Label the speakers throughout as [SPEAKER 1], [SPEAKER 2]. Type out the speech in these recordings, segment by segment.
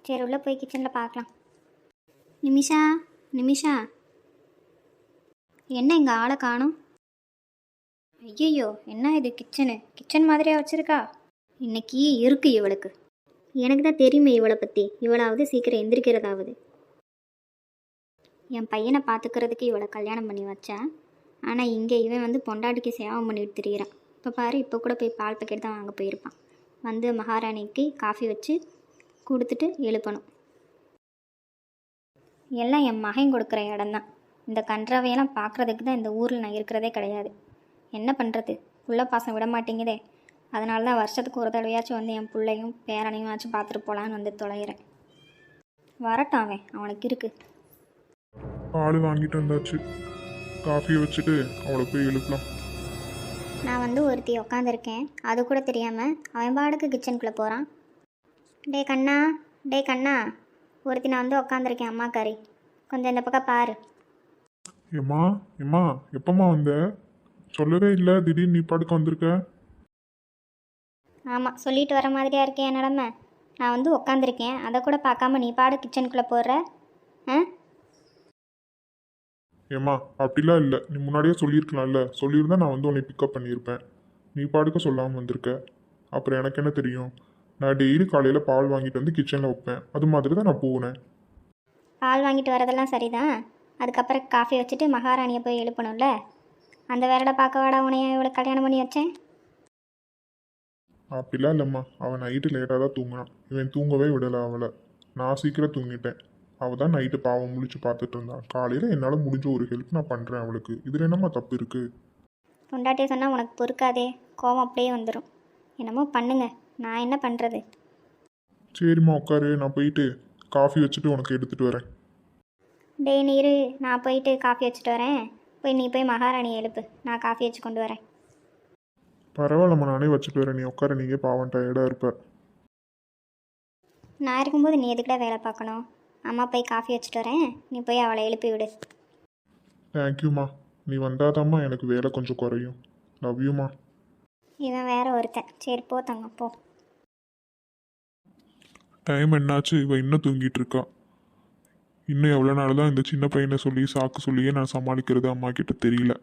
[SPEAKER 1] சரி உள்ளே போய் கிச்சனில் பார்க்கலாம். நிமிஷா நிமிஷா, என்ன இங்கே ஆளை காணும்? ஐயையோ, என்ன இது கிச்சன் மாதிரியா வச்சுருக்கா? இன்னைக்கு இருக்கு இவளுக்கு. எனக்கு தான் தெரியுமே இவளை பற்றி. இவளாவது சீக்கிரம் எந்திரிக்கிறதாவது. என் பையனை பார்த்துக்கிறதுக்கு இவளை கல்யாணம் பண்ணி வச்சேன். ஆனால் இங்கே இவன் வந்து பொண்டாட்டிக்கு சேவை பண்ணிட்டு திரியிறான். இப்போ பாரு, இப்போ கூட போய் பால் பாக்கெட் தான் வாங்க போயிருப்பான். வந்து மகாராணிக்கு காஃபி வச்சு கொடுத்துட்டு எழுப்பணும். எல்லாம் என் மகன் கொடுக்குற இடம்தான். இந்த கன்றாவையெல்லாம் பார்க்குறதுக்கு தான் இந்த ஊரில் நான் இருக்கிறதே கிடையாது. என்ன பண்ணுறது, புள்ள பாசம் விட மாட்டேங்குதே. அதனால தான் வருஷத்துக்கு ஒரு தடவையாச்சும் வந்து என் பிள்ளையும் பேரனையும் ஆச்சும் பார்த்துட்டு போகலான்னு வந்து தொலைகிறேன். வரட்டும், அவனுக்கு இருக்கு.
[SPEAKER 2] பால் வாங்கிட்டு வந்தாச்சு, காஃபியை வச்சுட்டு அவளை போய் எழுப்பலாம்.
[SPEAKER 1] நான் வந்து ஒருத்தி உக்காந்துருக்கேன், அது கூட தெரியாமல் அவன் பாடுக்கு கிச்சனுக்குள்ளே போகிறான். டே கண்ணா, ஒருத்தி நான் வந்து உக்காந்துருக்கேன் அம்மாக்காரி, கொஞ்சம் இந்த பக்கம் பாரு.
[SPEAKER 2] எம்மா எப்பம்மா வந்த? சொல்லவே இல்லை, திடீர்னு நீ பாடுக்க வந்திருக்க.
[SPEAKER 1] ஆமாம், சொல்லிட்டு வர மாதிரியா இருக்கேன் என் நிலமை. நான் வந்து உக்காந்துருக்கேன், அதை கூட பார்க்காம நீ பாடு கிச்சனுக்குள்ளே போடுற.
[SPEAKER 2] ஏம்மா அப்படிலாம் இல்லை, நீ முன்னாடியே சொல்லியிருக்கலாம்ல. சொல்லியிருந்தா நான் வந்து உன்னை பிக்கப் பண்ணியிருப்பேன். நீ பாடுக்க சொல்லாமல் வந்திருக்க. அப்புறம் எனக்கு என்ன தெரியும்? நான் டெய்லி காலையில் பால் வாங்கிட்டு வந்து கிச்சனில் வைப்பேன். அது மாதிரி தான் நான் போனேன்.
[SPEAKER 1] பால் வாங்கிட்டு வரதெல்லாம் சரிதான். அதுக்கப்புறம் காஃபி வச்சுட்டு மகாராணியை போய் எழுப்பணும்ல. அந்த வேலையை பார்க்க வாடா உனைய இவ்வளோ கல்யாணம் பண்ணி வச்சேன்.
[SPEAKER 2] அப்படிலாம் இல்லைம்மா, அவன் நைட்டு லேட்டாக தான் தூங்கினான். இவன் தூங்கவே விடலை அவளை. நான் சீக்கிரம் தூங்கிட்டேன். அவள் தான் நைட்டு பாவம் முழிச்சு பார்த்துட்டு இருந்தான். காலையில் என்னால் முடிஞ்ச ஒரு ஹெல்ப் நான் பண்ணுறேன் அவளுக்கு. இதில் என்னம்மா தப்பு இருக்குது?
[SPEAKER 1] பொண்டாட்டியை சொன்னால் உனக்கு பொறுக்காதே, கோவம் அப்படியே வந்துடும். என்னமோ பண்ணுங்க, நான் என்ன பண்ணுறது?
[SPEAKER 2] சரிம்மா உட்காரு, நான் போயிட்டு காஃபி வச்சுட்டு உனக்கு எடுத்துகிட்டு வரேன்.
[SPEAKER 1] டேய் நீரு, நான் போயிட்டு காஃபி வச்சுட்டு வரேன். நீ போய் மகாராணியை எழுப்பு, நான் காஃபி வச்சு கொண்டு வரேன்.
[SPEAKER 2] பரவாயில்லம்மா, நானே வச்சுட்டு வரேன். நீ உட்கார, நீங்கள் பாவம் டயர்டாக இருப்ப.
[SPEAKER 1] நான் இருக்கும்போது நீ எதுக்கிட்ட வேலை பார்க்கணும்? அம்மா போய் காஃபி வச்சுட்டு வரேன், நீ போய் அவளை எழுப்பி விடு.
[SPEAKER 2] தேங்க்யூம்மா, நீ வந்தாதாம்மா எனக்கு வேலை கொஞ்சம் குறையும். லவ் யூம்மா.
[SPEAKER 1] இவன் வேற ஒருத்தன். சரி போ தங்கம் போ.
[SPEAKER 2] டைம் என்னாச்சு? இவன் இன்னும் தூங்கிட்டு இருக்கா. இன்னும் எவ்வளோ நாள் தான் இந்த சின்ன பையனை சொல்லி சாக்கு சொல்லியே நான் சமாளிக்கிறது அம்மா கிட்ட தெரியல.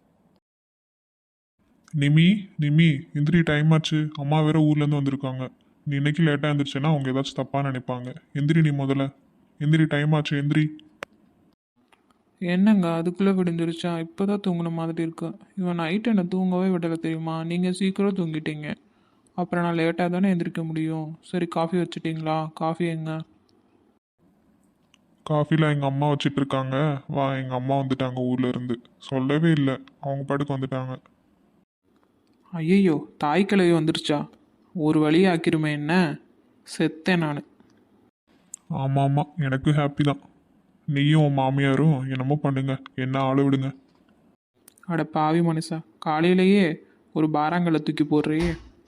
[SPEAKER 2] நிமி எந்திரி, டைம் ஆச்சு. அம்மா வேற ஊர்லேருந்து வந்திருக்காங்க. நீ இன்னைக்கு லேட்டாக எழுந்திரிச்சேன்னா அவங்க ஏதாச்சும் தப்பாக நினைப்பாங்க. எந்திரி, நீ முதல்ல எந்திரி, டைம் ஆச்சு, எந்திரி.
[SPEAKER 3] என்னங்க அதுக்குள்ளே விடிஞ்சிருச்சா? இப்போ தான் தூங்கின மாதிரி இருக்கு. இவன் நைட்டு என்னை தூங்கவே விடலை தெரியுமா? நீங்கள் சீக்கிரம் தூங்கிட்டீங்க, அப்புறம் நான் லேட்டாக தானே எந்திரிக்க முடியும். சரி காஃபி வச்சுட்டிங்களா? காஃபி எங்க?
[SPEAKER 2] காஃபியில் எங்கள் அம்மா வச்சிட்டு இருக்காங்க. வா, எங்கள் அம்மா வந்துட்டாங்க ஊர்ல இருந்து. சொல்லவே இல்லை, அவங்க பாட்டுக்கு வந்துட்டாங்க.
[SPEAKER 3] ஐயையோ, தாய் கிழவி வந்துருச்சா? ஒரு வழியை ஆக்கிருமே என்ன? செத்தேன் நான்.
[SPEAKER 2] ஆமாம், எனக்கு ஹாப்பி தான். நீயும் உன் மாமியாரும் என்னமோ பண்ணுங்க, என்ன ஆள விடுங்க.
[SPEAKER 3] அட பாவி மனுஷா, காலையிலேயே ஒரு பாராங்கல்லை தூக்கி போடுறியே.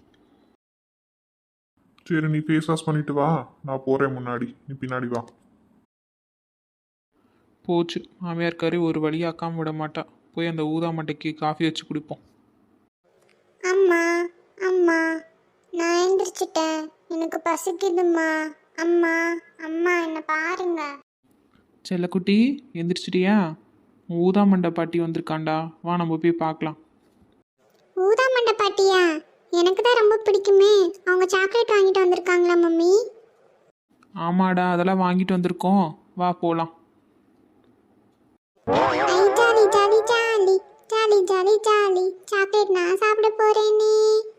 [SPEAKER 2] சரி, நீ ஃபேஸ் வாஷ் பண்ணிட்டு வா, நான் போகிறேன் முன்னாடி, நீ பின்னாடி வா.
[SPEAKER 3] போச்சு, மாமியார் கறி ஒரு வழியாக்காமல் விட மாட்டா. போய் அந்த ஊதா மட்டைக்கு காஃபி வச்சு குடிப்போம்.
[SPEAKER 4] அம்மா அம்மா, நான் எந்திரிச்சிட்டேன், எனக்கு பசிக்குதும்மா. அம்மா அம்மா, என்ன பாருங்க.
[SPEAKER 3] செல்லக்குட்டி எந்திரிச்சிட்டியா? ஊதா மண்டை பாட்டி வந்திருக்காண்டா, வா நம்ம போய் பார்க்கலாம்.
[SPEAKER 4] ஊதா மண்டை பாட்டியா? எனக்கு தான் ரொம்ப பிடிக்குமே. அவங்க சாக்லேட் வாங்கிட்டு வந்திருக்காங்களா மம்மி?
[SPEAKER 3] ஆமாடா, அதெல்லாம் வாங்கிட்டு வந்திருக்கோம், வா போகலாம்.
[SPEAKER 4] Jolly jolly jolly jolly jolly jolly, chocolate நான் சாப்பிட போறேனே.